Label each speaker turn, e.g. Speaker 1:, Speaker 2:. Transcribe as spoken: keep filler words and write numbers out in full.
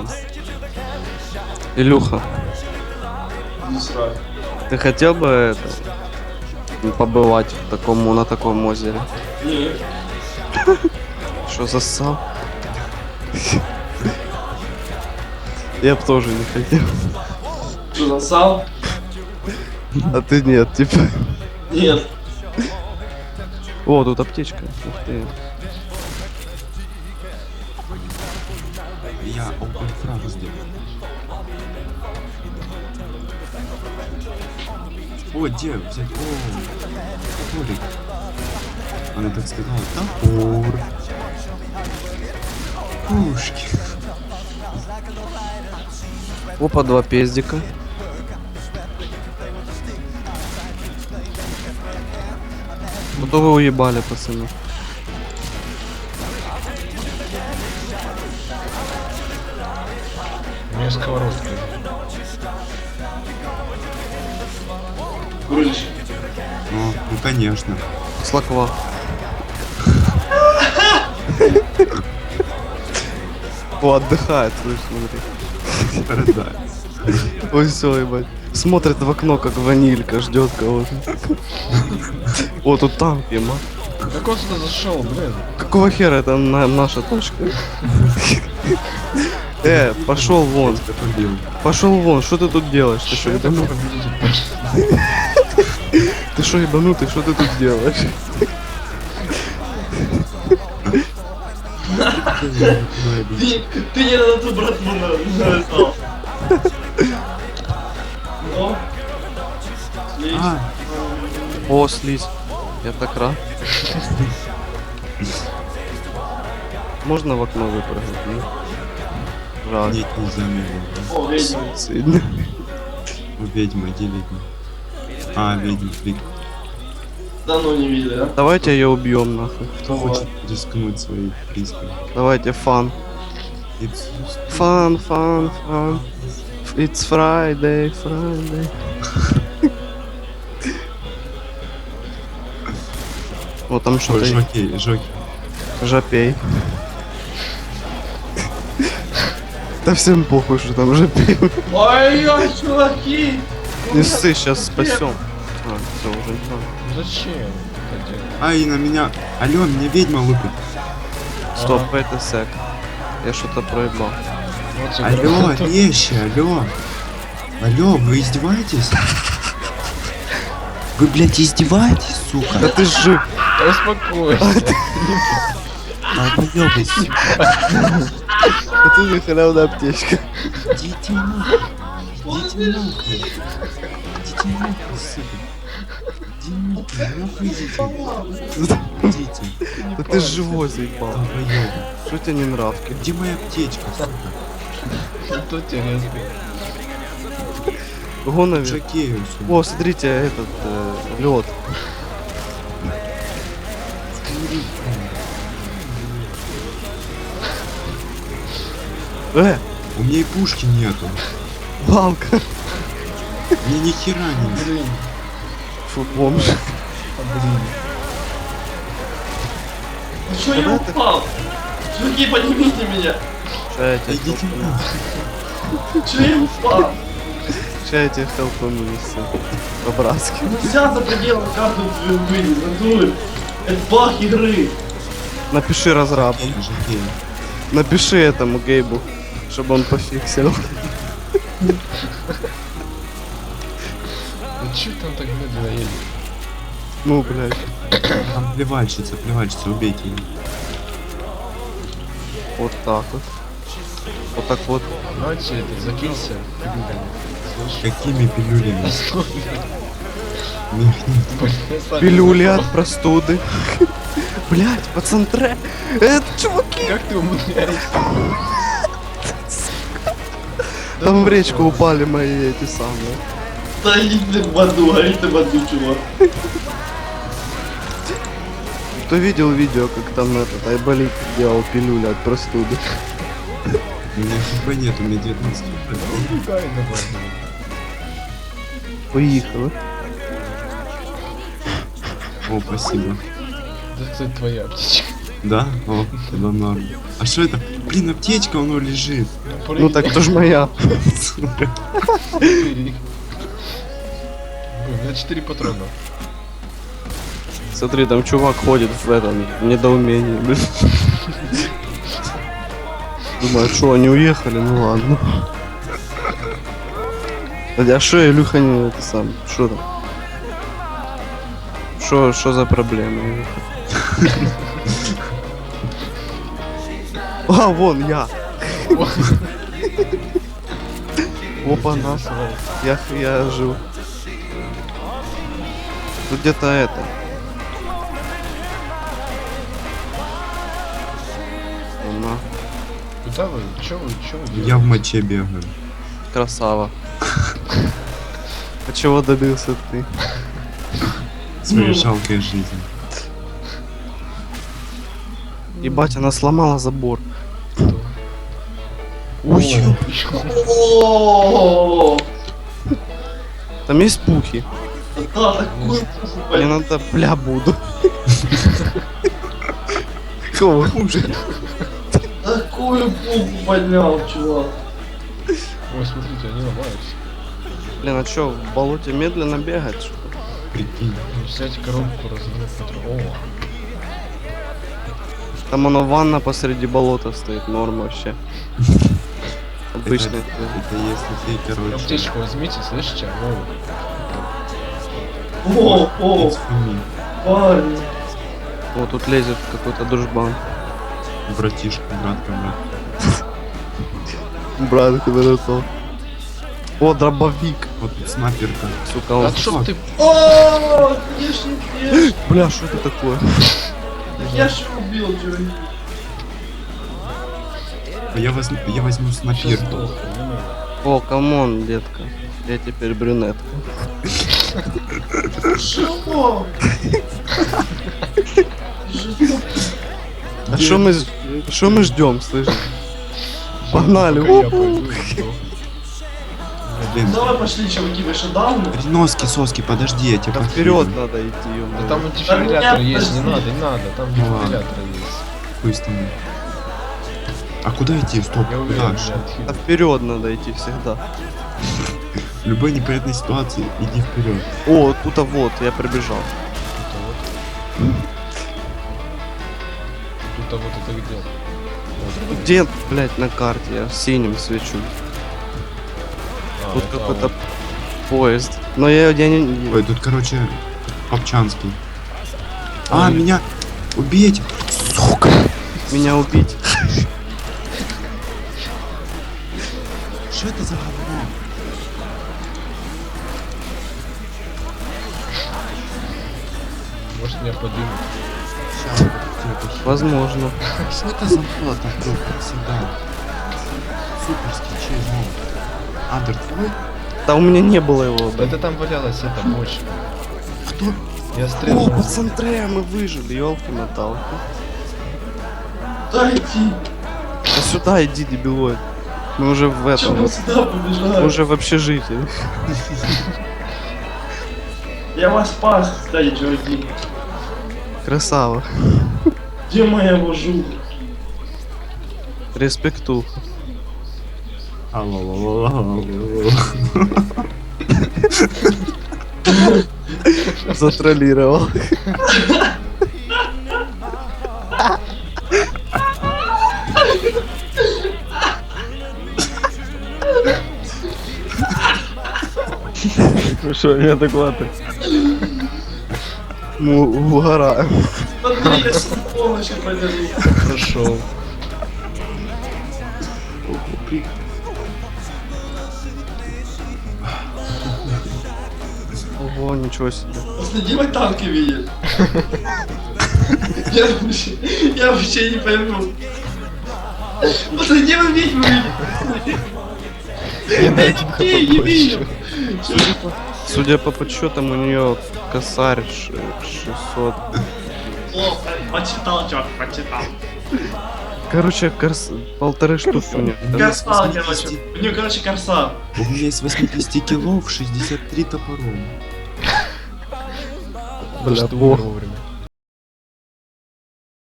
Speaker 1: Илюха,
Speaker 2: Не срать.
Speaker 1: ты хотел бы это побывать в таком, на таком озере?
Speaker 2: Нет.
Speaker 1: Что зассал? Я б тоже не хотел.
Speaker 2: Что, засал?
Speaker 1: А ты нет, типа.
Speaker 2: Нет.
Speaker 1: О, тут аптечка. Ух ты.
Speaker 3: Я open фразу сделал. О, где взять? О, топорик. Она так сказала. Топор. Пушки.
Speaker 1: Опа, два пездика. Ну то вы уебали, пацаны.
Speaker 4: У меня сковородка.
Speaker 2: Курильщик.
Speaker 3: Ну, ну конечно.
Speaker 1: Слаква. О, отдыхает, слышь, смотри.
Speaker 3: Страдает.
Speaker 1: Ой, все, ебать. Смотрит в окно, как ванилька, ждет кого-то. О, тут танк, ема.
Speaker 4: Как он сюда зашел, блин?
Speaker 1: Какого хера это на- наша точка? Э, пошел вон. Пошел вон, что ты тут делаешь? Ты что, ебанутый? Ты что, ебанутый, что ты тут делаешь?
Speaker 2: Ты, ты не на ту братву нарисовал. О. Слизь.
Speaker 3: А,
Speaker 1: О, слизь. Я так рад. Можно в окно выпрыгнуть? Нет? Жаль.
Speaker 3: нет, нельзя мне.
Speaker 2: О, ведьма.
Speaker 1: Сильно.
Speaker 3: Ведьма, где ведьма? А, ведьма, флик.
Speaker 2: Давно не видели, а?
Speaker 1: Давайте ее убьем нахуй.
Speaker 3: Кто хочет рискнуть своей приской?
Speaker 1: Давайте фан.
Speaker 3: It's
Speaker 1: Фан, фан, фан. It's Friday, Friday. Вот там
Speaker 3: Ой,
Speaker 1: что-то
Speaker 3: жокей, жокей.
Speaker 1: жопей. Да всем похуй, что там жопей.
Speaker 2: Ой-ой, чуваки!
Speaker 1: Не ссы, сейчас спасем. А, все, уже не надо.
Speaker 4: Зачем? это делать?
Speaker 3: Ай, на меня. Алло, меня ведьма лупит.
Speaker 1: Стоп, это сек. Я что-то проебал.
Speaker 4: Вот тебе
Speaker 3: Алло,
Speaker 4: говорю.
Speaker 3: вещи, алло. Алло, вы издеваетесь? Вы, блядь, издеваетесь, сука?
Speaker 1: Да ты жив.
Speaker 4: Да успокойся.
Speaker 3: А вы ёбаетесь.
Speaker 1: А ты же халявная аптечка.
Speaker 3: Идите нахуй. Идите нахуй. Идите нахуй, сука. Идите нахуй, идите. Идите.
Speaker 1: Да ты живой заебал.
Speaker 3: Долбоёбы.
Speaker 1: Что тебе не нравки?
Speaker 3: Где моя аптечка, сука?
Speaker 4: Тут интересно.
Speaker 1: Го наверх.
Speaker 3: Жокею, сука.
Speaker 1: О, смотрите, этот э, лед. Э,
Speaker 3: У меня и пушки нету.
Speaker 1: палка.
Speaker 3: Мне ни хера не
Speaker 4: Блин,
Speaker 1: Фу, бомж.
Speaker 4: блин.
Speaker 2: Ты что, я упал? Чуваки, поднимите меня!
Speaker 1: Ща я
Speaker 3: Да
Speaker 1: тебе
Speaker 3: идите
Speaker 1: хелпану.
Speaker 3: нахуй.
Speaker 2: Че я упал?
Speaker 1: Ща я тебе хелпану, все. По-братски.
Speaker 2: Нельзя за пределом карты вынес, надуй. Это баг игры.
Speaker 1: Напиши разрабу.
Speaker 3: Жокею.
Speaker 1: Напиши этому Гейбу, чтобы он пофиксил.
Speaker 4: Ну че там так медленно едет?
Speaker 1: Ну, блядь.
Speaker 3: Там плевальщица, плевальщица, убейте ее.
Speaker 1: Вот так вот. Вот так вот.
Speaker 4: Давайте это, закинься пилюлями. Слышь?
Speaker 3: Какими пилюлями?
Speaker 1: Пилюли от простуды. Блять, пацантре. Это чуваки.
Speaker 4: Как ты умудряешься?
Speaker 1: Там в речку упали мои эти самые.
Speaker 2: Да иди ты в аду, гори ты в аду, чувак.
Speaker 1: Кто видел видео, как там этот Айболит делал пилюли от простуды?
Speaker 3: У меня хп нет, у меня девятнадцать хп.
Speaker 4: Ругай давай.
Speaker 1: Поехала.
Speaker 3: О, спасибо.
Speaker 4: Да это твоя аптечка.
Speaker 3: Да? О, тогда норм. А что это? Блин, аптечка, оно лежит.
Speaker 1: Ну так тоже моя.
Speaker 4: Блин, у меня четыре патрона.
Speaker 1: Смотри, там чувак ходит в этом в недоумении. блин. Думаю, что они уехали, ну ладно. А что Илюха не это сам? Что там? Что, что за проблема? Илюха? А, вон я. Опа, на. Я, я жил. Тут где-то это. На.
Speaker 4: Куда вы? Чё вы? Чё вы делаете?
Speaker 3: Я в моче бегаю.
Speaker 1: Красава. А чего добился ты?
Speaker 3: Своей жалкой жизни.
Speaker 1: Ебать, она сломала забор.
Speaker 4: Кто?
Speaker 1: Ой,
Speaker 2: О,
Speaker 1: там есть пухи.
Speaker 2: да, такую
Speaker 1: Мне
Speaker 2: блин.
Speaker 1: надо, бля, буду. Кого хуже?
Speaker 2: Такую пуху поднял, чувак.
Speaker 4: Ой, смотрите, они ломаются.
Speaker 1: Блин, а чё, в болоте медленно бегать? что ли?
Speaker 3: Прикинь.
Speaker 4: Ну, взять коробку, разрывать патрон. О,
Speaker 1: Там оно ванна посреди болота стоит, норм вообще.
Speaker 3: Это,
Speaker 1: Обычно.
Speaker 3: это если ты, короче...
Speaker 4: аптечку возьмите, слышите? О,
Speaker 2: О, о,
Speaker 3: it's for me,
Speaker 2: парень.
Speaker 1: Вот тут лезет какой-то дружбан.
Speaker 3: братишка, братка, брат.
Speaker 1: Брат, кто О, дробовик.
Speaker 3: Вот тут снайперка.
Speaker 1: Сука,
Speaker 4: а
Speaker 1: он...
Speaker 4: что ты?
Speaker 2: О, я ж не ешь.
Speaker 1: Бля, что это такое?
Speaker 2: Я ж убил, чувак.
Speaker 3: А я возьму, я возьму
Speaker 4: Сейчас
Speaker 3: снайперку.
Speaker 4: сдохну, не надо.
Speaker 1: О, камон, детка. Я теперь брюнетка.
Speaker 2: Чего?
Speaker 1: А что мы, что мы ждем, слышишь? Погнали.
Speaker 4: Пока я
Speaker 1: Оп.
Speaker 4: пойду и сдохну.
Speaker 3: Блин,
Speaker 2: Давай пошли, чуваки, вы шатдауны.
Speaker 3: носки, соски, подожди, я тебя
Speaker 1: Да
Speaker 3: подкину.
Speaker 1: вперед надо идти,
Speaker 4: Да
Speaker 1: ё-моё.
Speaker 4: там дефибриллятор
Speaker 2: Да
Speaker 4: есть, не
Speaker 2: подожди.
Speaker 4: надо, не надо, там
Speaker 3: Ну ладно.
Speaker 4: дефибриллятор есть.
Speaker 3: Хуй с тобой. А куда идти? Стоп,
Speaker 4: Я
Speaker 3: куда?
Speaker 4: уверен,
Speaker 3: Ш-
Speaker 1: Да вперед надо идти всегда.
Speaker 3: В любой непонятной ситуации иди вперед.
Speaker 1: О, тут-то вот, я прибежал.
Speaker 4: Тут-то вот это где? Вот.
Speaker 1: Где, блять, на карте? Я синим свечу.
Speaker 4: А,
Speaker 1: Тут
Speaker 4: это
Speaker 1: какой-то
Speaker 4: вот.
Speaker 1: поезд. Но я, я не...
Speaker 3: Ой, тут, короче, Попчанский. А,
Speaker 4: Ой.
Speaker 3: меня убить! Сука!
Speaker 1: Меня убить.
Speaker 3: Что это за говно?
Speaker 4: Может меня поднимут.
Speaker 3: Щас, вот это хи-
Speaker 1: Возможно.
Speaker 3: Что это за фото такой, как всегда? Суперский, чей зон? Андер, твой?
Speaker 1: Да у меня не было его. блин.
Speaker 4: Это там валялась эта бочка.
Speaker 3: Кто?
Speaker 4: Я
Speaker 1: О,
Speaker 4: стрелял.
Speaker 1: пацантре, мы выжили, елки моталки.
Speaker 2: Дайте.
Speaker 1: Да сюда иди, дебилоид. Мы уже в этом.
Speaker 2: Чего сюда
Speaker 1: Мы
Speaker 2: побежали?
Speaker 1: уже в общежитии.
Speaker 2: Я вас спас, кстати, чуваки.
Speaker 1: Красава.
Speaker 2: Где моя вожу?
Speaker 1: Респекту. Затроллировал. Ну что, меня доклады? Мы угораем.
Speaker 2: Смотри, я с помощью подержу.
Speaker 4: Прошел.
Speaker 1: Ого, ничего себе.
Speaker 2: Последи, мой танки видишь. Я вообще, я вообще не пойму. Последи, вы ведьму видите.
Speaker 4: Я на один хп
Speaker 2: Не, не
Speaker 4: больше.
Speaker 2: вижу.
Speaker 1: Судя по подсчетам, у нее косарь ш- шестьсот.
Speaker 2: О, почитал, чувак, почитал.
Speaker 1: Короче, корс... полторы штуки у нее.
Speaker 2: Корса, короче. У нее, короче, корса.
Speaker 3: У меня есть восемьдесят килов, шестьдесят три топором.
Speaker 1: Бля,
Speaker 4: Что
Speaker 1: бог.
Speaker 4: вовремя.